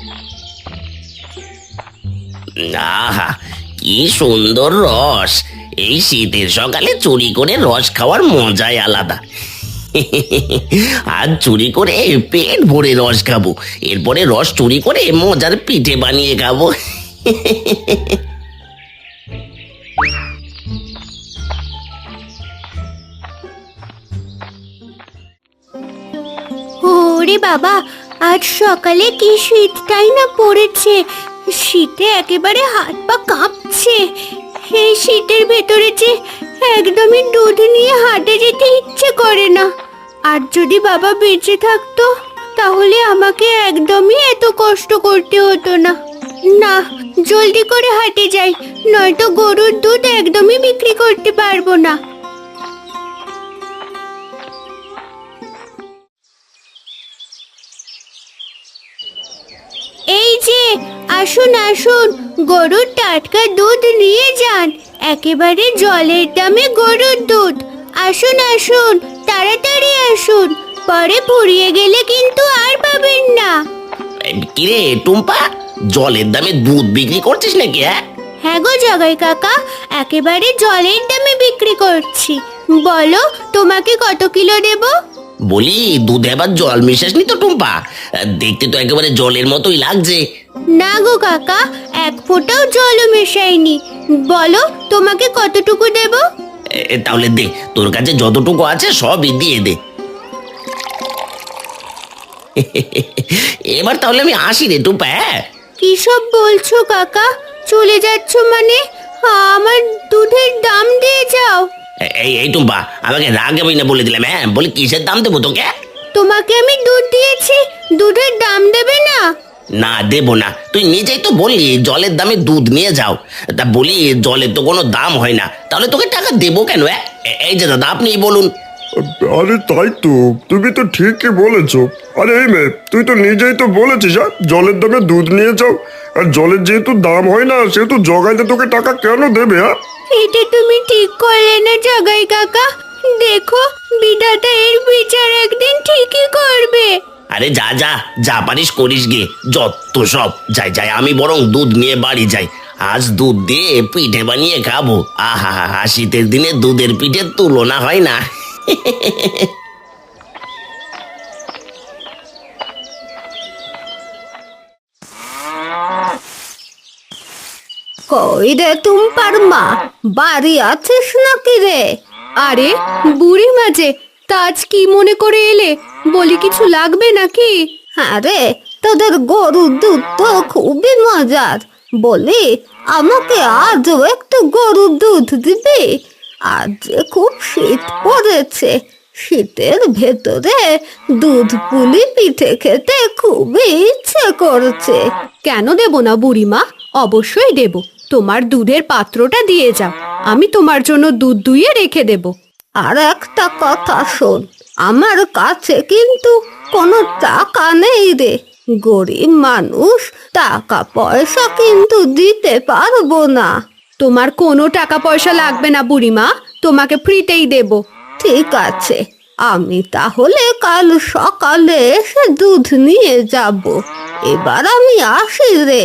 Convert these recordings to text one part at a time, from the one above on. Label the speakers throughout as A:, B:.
A: আহা, কি সুন্দর রস! এই শীতের সকালে চুরি করে রস খাওয়ার মজাই আলাদা। আজ চুরি করে পেট ভরে রস খাবো, এরপরে রস চুরি করে মজার পিঠে বানিয়ে খাবো।
B: ওরে বাবা, আজ সকালে কি শীতটাই না পড়েছে। শীতে একেবারে হাত পা কাঁপছে। এই শীতের ভেতরে যে একদমই দুধ নিয়ে হাটে যেতে ইচ্ছে করে না। আর যদি বাবা বেঁচে থাকতো তাহলে আমাকে একদমই এত কষ্ট করতে হতো না। না, জলদি করে হাটে যাই, নয়তো গরুর দুধ একদমই বিক্রি করতে পারবো না। এই যে, আসুন আসুন, গরুর টাটকা দুধ নিয়ে যান। একেবারে জলের দামে গরুর দুধ। আসুন আসুন, তাড়াতাড়ি আসুন, পরে ফুরিয়ে গেলে কিন্তু আর পাবেন না।
A: কিরে টুম্পা, জলের দামে দুধ বিক্রি করছিস নাকি?
B: হ্যাঁ গো জগাই কাকা, একেবারে জলের দামে বিক্রি করছি। বলো, তোমাকে কত কিলো দেব?
A: বলি, দুধে আবার জল মিশাসনি তো টুম্পা? দেখতে তো একেবারে জলের মতোই লাগছে।
B: না গো কাকা, এক ফোঁটাও জলও মেশাইনি। বলো, তোমাকে কতটুকু দেব?
A: তাহলে দে, তোর কাছে যতটুকু আছে সবই দিয়ে দে। এবার তাহলে আমি আসি রে টুম্পা।
B: কি সব বলছো কাকা? চলে যাচ্ছ মানে? আমার দুধের দাম দিয়ে যাও।
A: এই এই টুম্পা, আমাকে রাগাবি না বলে দিলাম। বলি, কিসের দাম দেবো তোকে?
B: তোমাকে আমি দুধ দিয়েছি, দুধের দাম দেবে না?
A: না, দেবো না। তুই নিজেই তো বললি জলের দামে দুধ নিয়ে যাও। তা বলি, জলের তো কোনো দাম হয় না, তাহলে তোকে টাকা দেবো কেন? এই যে দাদা, আপনিই বলুন।
C: আরে তাই তো, তুমি তো ঠিকই বলেছো। আরে এই মেয়ে, তুই তো নিজেই তো বলেছিস জলের দামে দুধ নিয়ে যাও। আর জলের যেহেতু দাম হয় না, সেহেতু জগাইতে তোকে টাকা কেন দেবে?
B: এটা তুমি ঠিক করলে না জগাই কাকা। দেখো, বিধাতা এর বিচার একদিন ঠিকই করবে।
A: আরে যা যা, যা পারিস করিস গে, যত সব। যাই যাই, আমি বরং দুধ নিয়ে বাড়ি যাই। আজ দুধ দিয়ে পিঠে বানিয়ে খাবো। আহা হা হা, শীতের দিনে দুধের পিঠের তুলনা হয় না।
B: কই রে টুম্পার মা, বাড়ি আছিস নাকি রে? আরে বুড়ি মাঝে, তাজ কি মনে করে এলে? বলি, কিছু লাগবে নাকি? আরে, তোদের গরুর দুধ তো খুবই মজার। বলি, আমাকে আজও একটু গরুর দুধ দিবি? আজ যে খুব শীত পড়েছে, শীতের ভেতরে দুধ পুলি পিঠে খেতে খুবই ইচ্ছে করছে। কেন দেব না বুড়িমা, অবশ্যই দেব। তোমার দুধের পাত্রটা দিয়ে যাও, আমি তোমার জন্য দুধ দুইয়ে রেখে দেব। আর একটা কথা শোন, আমার কাছে কিন্তু কোনো টাকা নেই রে। গরিব মানুষ, টাকা পয়সা কিন্তু দিতে পারবো না। তোমার কোনো টাকা পয়সা লাগবে না বুড়িমা, তোমাকে ফ্রিতেই দেব। ঠিক আছে, আমি তাহলে কাল সকালে এসে দুধ নিয়ে যাব। এবার আমি আসি রে।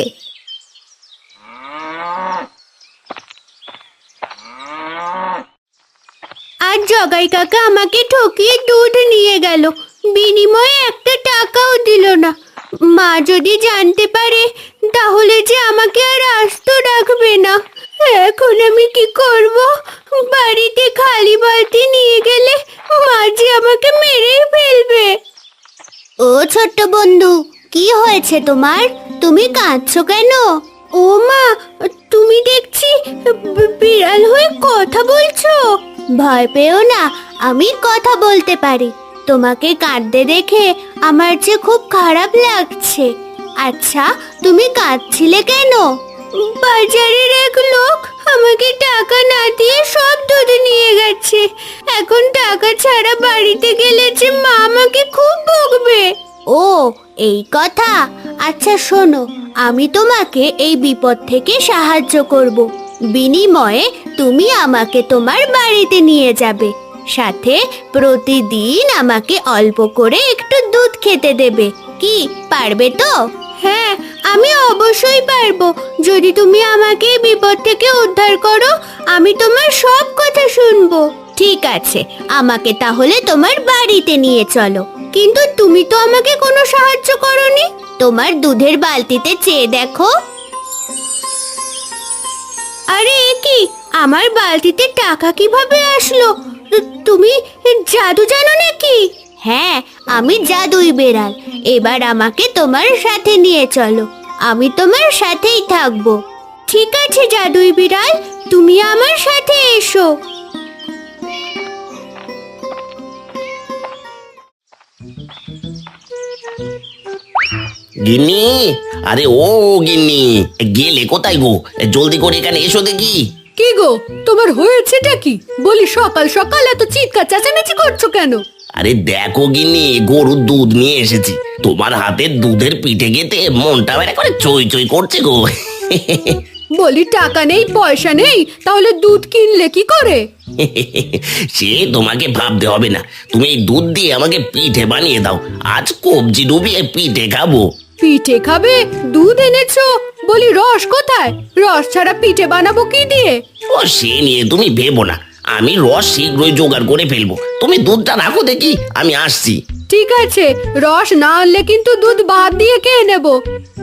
B: আর জগাই কাকা আমাকে ঠকিয়ে দুধ নিয়ে গেল, বিনিময়ে একটা টাকাও দিল না। মা যদি জানতে পারে তাহলে যে আমাকে আর আস্ত রাখবে না। এখন আমি কি করব? বাড়িতে খালি বালতি নিয়ে গেলে মা যে আমাকে মেরেই ফেলবে। ও ছোট্ট বন্ধু, কি হয়েছে তোমার? তুমি কাঁদছো কেন? ও মা, তুমি দেখছি বিড়াল হয়ে কথা বলছো। ভয় পেও না, আমি কথা বলতে পারি। তোমাকে কাঁদতে দেখে আমার যে খুব খারাপ লাগছে। আচ্ছা, তুমি কাঁদছিলে কেন? বাজারের এক লোক আমাকে টাকা না দিয়ে সব দুধ নিয়ে গেছে। এখন টাকা ছাড়া বাড়িতে গেলে যে মা আমাকে খুব বকবে। ও, এই কথা। আচ্ছা শোনো, আমি তোমাকে এই বিপদ থেকে সাহায্য করব। বিনিময়ে তুমি আমাকে তোমার বাড়িতে নিয়ে যাবে, সাথে প্রতিদিন আমাকে অল্প করে একটু দুধ খেতে দেবে। কি পারবে তো? হ্যাঁ, আমি অবশ্যই পারবো। যদি তুমি আমাকে এই বিপদ থেকে উদ্ধার করো, আমি তোমার সব কথা শুনবো। ঠিক আছে, আমাকে তাহলে তোমার বাড়িতে নিয়ে চলো। কিন্তু তুমি তো আমাকে কোনো সাহায্য করোনি। তোমার দুধের বালতিতে চেয়ে দেখো। আরে এ কি, আমার বালতিতে টাকা কিভাবে আসলো? তুমি জাদু জানো নাকি? হ্যাঁ, আমি জাদুই বেড়াল। এবার আমাকে তোমার সাথে নিয়ে চলো, আমি তোমার সাথেই থাকবো। ঠিক আছে জাদুই বিড়াল, তুমি আমার সাথে এসো।
A: গিন্নি, আরে ও গিন্নি, গেলে কোথায় গো? জলদি করে এখানে এসো দেখি।
D: কি গো, তোমার হয়েছেটা কি? বলি সকাল সকাল এত চিৎকার চেঁচামেচি করছো কেন?
A: আরে দেখো গিন্নি, গরুর দুধ নিয়ে এসেছি। তোমার হাতের দুধের পিঠে খেতে মনটা বেড়ে করে চই চই করছে গো।
D: বলি টাকা নেই পয়সা নেই, তাহলে দুধ কিনলে কি করে?
A: সে তোমাকে ভাবতে হবে না, তুমি এই দুধ দিয়ে আমাকে পিঠে বানিয়ে দাও। আজ কবজি ডুবিয়ে পিঠে খাবো।
D: পিঠে খাবে? দুধ এনেছো, বলি রস কোথায়? রস ছাড়া পিঠে বানাবো কি দিয়ে?
A: ও সে নিয়ে তুমি ভেবো না, আমি রস শীঘ্রই জোগাড় করে ফেলবো। তুমি দুধটা রাখো দেখি, আমি আসছি।
D: ঠিক আছে, রস না আনলে কিন্তু দুধ বাদ দিয়ে খেয়ে নেবো।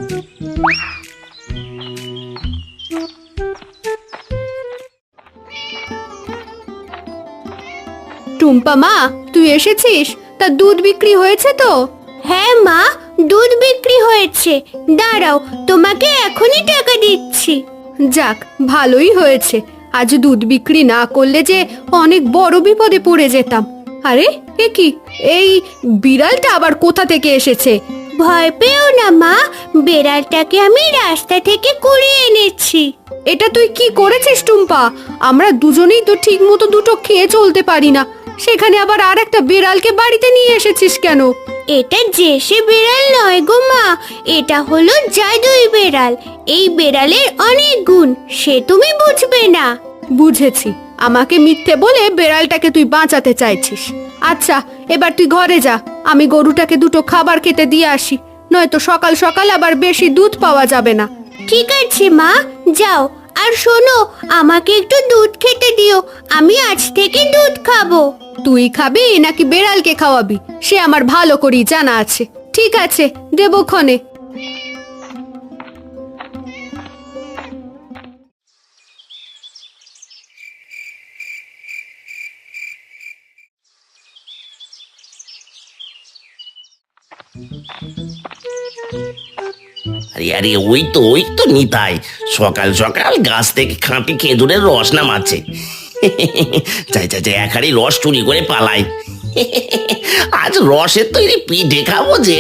D: টুম্পা মা, তুই এসেছিস? তা দুধ বিক্রি হয়েছে তো?
B: হ্যাঁ মা, দুধ বিক্রি হয়েছে। দাঁড়াও, তোমাকে এখনই টাকা দিচ্ছি।
D: যাক, ভালোই হয়েছে। আজ দুধ বিক্রি না করলে যে অনেক বড় বিপদে পড়ে যেতাম। আরে এ কি, এই বিড়ালটা আবার কোথা থেকে এসেছে?
B: ভয় পেও না মা, বেড়ালটাকে আমি রাস্তা থেকে কুড়িয়ে এনেছি।
D: এটা তুই কি করেছিস টুম্পা? আমরা দুজনেই তো ঠিক মতো দুটো খেয়ে চলতে পারি না, সেখানে আবার আর একটা বিড়ালকে বাড়িতে নিয়ে এসেছিস কেন?
B: এটা যে সে বেড়াল নয় গো মা, এটা হলো জাদুই বেড়াল। এই বেড়ালের অনেক গুণ, সে তুমি বুঝবে না।
D: বুঝেছি, আমাকে মিথ্যে বলে বেড়ালটাকে তুই বাঁচাতে চাইছিস। আচ্ছা, এবার তুই ঘরে যা, আমি গরুটাকে দুটো খাবার খেতে দিয়ে আসি, নয়তো সকাল সকাল আবার বেশি দুধ পাওয়া যাবে না।
B: ঠিক আছে মা, যাও। আর শোনো, আমাকে একটু দুধ খেতে দিও, আমি আজ থেকে দুধ খাবো।
D: তুই খাবি নাকি বেড়ালকে খাওয়াবি সে আমার ভালো করেই জানা আছে। ঠিক আছে, দেবো ক্ষণে।
A: আরে আরে ওই তো নিতাই সকাল সকাল গাছ থেকে খাঁটি খেজুরের রস নামাচ্ছে। যাই যাই যাই, এক হাঁড়ি রস চুরি করে পালাই। আজ রসের তৈরি পিঠে খাবো যে।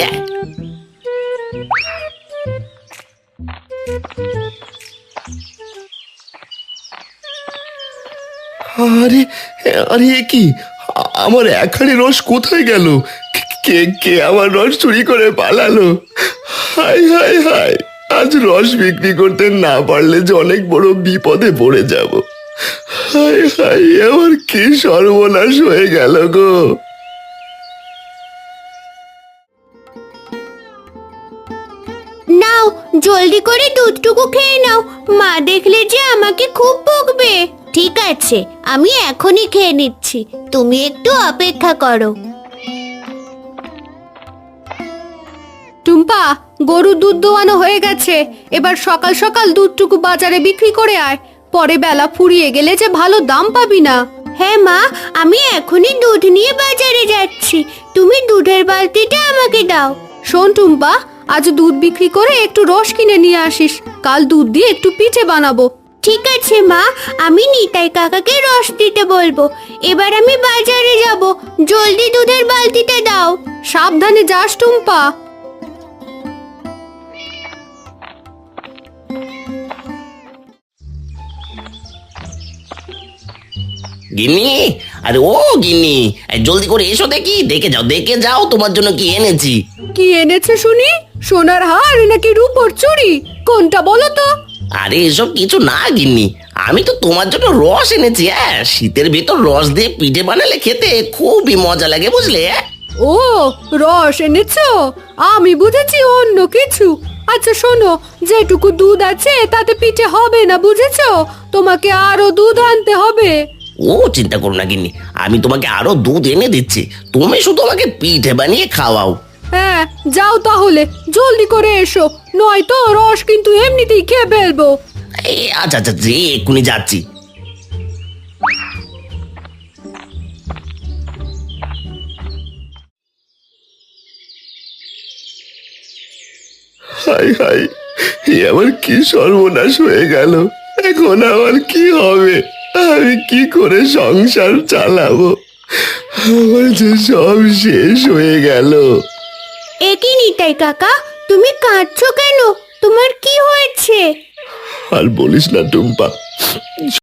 C: আরে আরে এ কি, আমার এক হাঁড়ি রস কোথায় গেল? কে কে আমার রস চুরি করে পালালো? হাই হাই হাই, আজ রস বিক্রি করতে না পারলে যে অনেক বড় বিপদে পড়ে যাব। হাই হাই, আমার কি সর্বনাশ হয়ে গেল গো।
B: নাও, জলদি করে দুধটুকু খেয়ে নাও, মা দেখলে যে আমাকে খুব বকবে। ঠিক আছে, আমি এখনই খেয়ে নিচ্ছি, তুমি একটু অপেক্ষা করো।
D: টুম্পা, গরুর দুধ দোয়ানো হয়ে গেছে, এবার সকাল সকাল দুধটুকু বাজারে বিক্রি করে আয়, পরে বেলা ফুরিয়ে গেলে যে ভালো দাম পাবি না।
B: হ্যাঁ মা, আমি এখনই দুধ নিয়ে বাজারে যাচ্ছি, তুমি দুধের বালতিটা আমাকে দাও।
D: শোন টুম্পা, আজ দুধ বিক্রি করে একটু রস কিনে নিয়ে আসিস, কাল দুধ দিয়ে একটু পিঠে বানাবো।
B: ঠিক আছে মা, আমি নিতাই কাকাকে রস দিতে বলবো। এবার আমি বাজারে যাব, জলদি দুধের বালতিটা দাও।
D: সাবধানে যাস টুম্পা।
A: গিন্নি, আরে ও গিন্নি, এই জলদি করে এসো দেখি, দেখে যাও তোমার জন্য কি এনেছি।
D: কি এনেছে শুনি? সোনার হার নাকি রূপোর চুড়ি? কোনটা বলো তো?
A: আরে এসব কিছু না গিন্নি, আমি তো তোমার জন্য রস এনেছি। হ্যাঁ, শীতের ভিতর রস দিয়ে পিঠে বানালে খেতে খুবই মজা লাগে, বুঝলে?
D: ও, রস এনেছো? আমি বুঝেছি অন্য কিছু। আচ্ছা শোনো, যেটুকু দুধ আছে তাতে পিঠে হবে না, বুঝেছো? তোমাকে আরো দুধ আনতে হবে।
A: ও চিন্তা করো না গিন্নি, আমি তোমাকে আরো দুধ এনে দিচ্ছি, তুমি শুধু আমাকে পিঠে বানিয়ে খাওয়াও।
D: হ্যাঁ যাও তাহলে, জলদি করে এসো, নয়তো রস কিন্তু এমনিতেই খেয়ে ফেলবো।
A: আচ্ছা আচ্ছা, যে এক্ষুনি যাচ্ছি।
C: হাই হাই, এ আমার কি সর্বনাশ হয়ে গেল! এখন আমার কি হবে? আমি কি করে সংসার চালাবো? আমার যে সব শেষ হয়ে গেল।
B: একই নিতাই কাকা, তুমি কাঁদছো কেন? তোমার কি হয়েছে?
C: আর বলিস না টুম্পা,